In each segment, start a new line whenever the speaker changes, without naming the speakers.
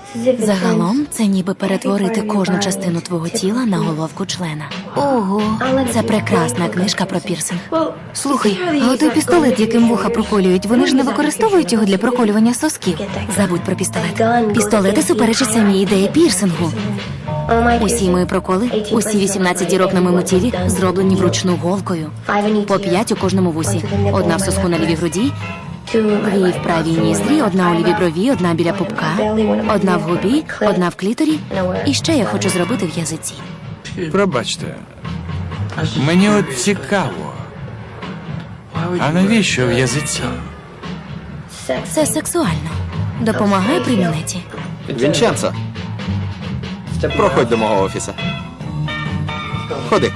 Загалом, це ніби перетворити кожну частину твого тіла на головку члена. Ого, це прекрасна книжка про пірсинг.
Слухай, а той пістолет, яким вуха проколюють, вони ж не використовують його для проколювання сосків?
Забудь про пістолет. Пістолети суперечать самій ідеї пірсингу. Усі мої проколи, усі 18 дірок на моєму тілі зроблені вручну голкою. По 5 у кожному вусі. Одна в соску на лівій груді, 2 в правій ніздрі, 1 у лівій брові, 1 біля пупка, 1 в губі, 1 в кліторі. І ще я хочу зробити в язиці.
Пробачте, мені от цікаво, а навіщо в язиці?
Це сексуально. Допомагає при мінеті.
Вінченцо, проходь до мого офісу. Ходи.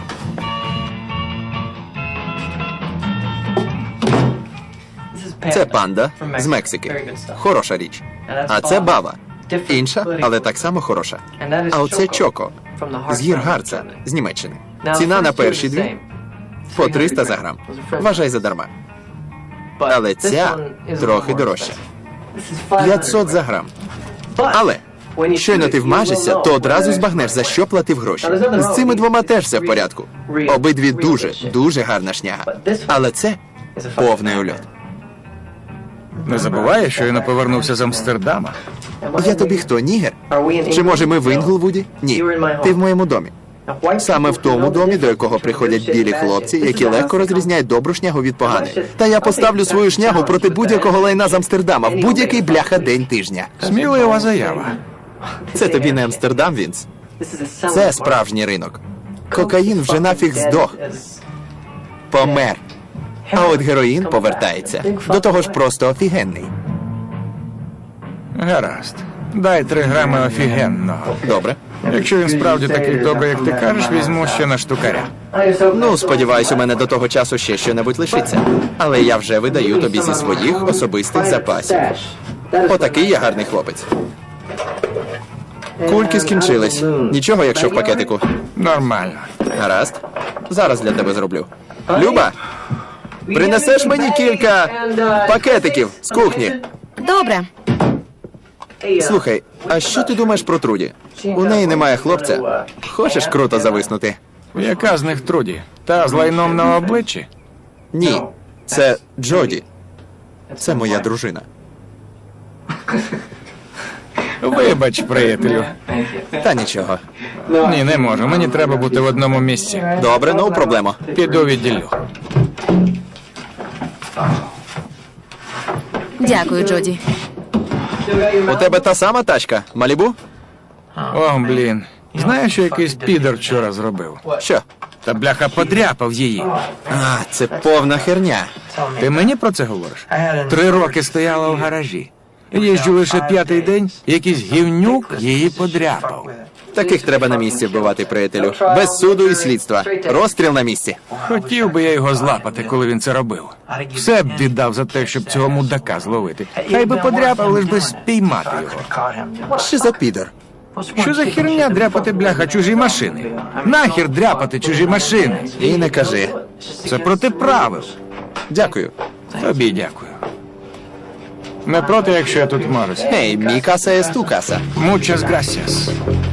Це панда з Мексики. Хороша річ. А це бава. Інша, але так само хороша. А оце Чоко з гір Гарца, з Німеччини. Ціна на перші 2 по 300 за грам. Вважай задарма. Але ця трохи дорожча. 500 за грам. Але щойно ти вмажешся, то одразу збагнеш, за що платив гроші. З цими 2 теж все в порядку. Обидві дуже гарна шняга. Але це повний ульот.
Не забувай, що я не повернувся з Амстердама.
Я тобі хто, нігер? Чи може ми в Інглвуді? Ні, ти в моєму домі. Саме в тому домі, до якого приходять білі хлопці, які легко розрізняють добру шнягу від поганої. Та я поставлю свою шнягу проти будь-якого лайна з Амстердама в будь-який бляха день тижня.
Смілива заява.
Це тобі не Амстердам, Вінс. Це справжній ринок. Кокаїн вже нафіг здох. Помер. А от героїн повертається. До того ж просто офігенний.
Гаразд. Дай 3 грами офігенного.
Добре.
Якщо він справді такий добрий, як ти кажеш, візьму ще на штукаря.
Ну, сподіваюсь, у мене до того часу ще що-небудь лишиться. Але я вже видаю тобі зі своїх особистих запасів. Отакий я гарний хлопець. Кульки скінчились. Нічого, якщо в пакетику.
Нормально.
Гаразд. Зараз для тебе зроблю. Люба, принесеш мені кілька пакетиків з кухні?
Добре.
Слухай, а що ти думаєш про Труді? У неї немає хлопця. Хочеш круто зависнути?
Яка з них Труді? Та з лайном на обличчі?
Ні, це Джоді. Це моя дружина.
Вибач, приятелю.
Та нічого.
Ні, не можу. Мені треба бути в одному місці.
Добре, ну проблема.
Піду відділю.
Дякую, Джоді.
У тебе та сама тачка, Малібу?
О, блін. Знаєш, що якийсь підер вчора зробив?
Що?
Та бляха подряпав її.
А, це повна херня.
Ти мені про це говориш? 3 роки стояла в гаражі. Їжджу лише 5-й день, якийсь гівнюк її подряпав.
Таких треба на місці вбивати, приятелю. Без суду і слідства. Розстріл на місці.
Хотів би я його злапати, коли він це робив. Все б віддав за те, щоб цього мудака зловити. Хай би подряпав, лиш би спіймати його.
Що за підер?
Що за херня дряпати, бляха, чужі машини? Нахер дряпати чужі машини?
І не кажи.
Це проти правил.
Дякую.
Тобі дякую. Не проти, якщо я тут можусь.
Ей, мій каса є ту каса.
Muchas gracias.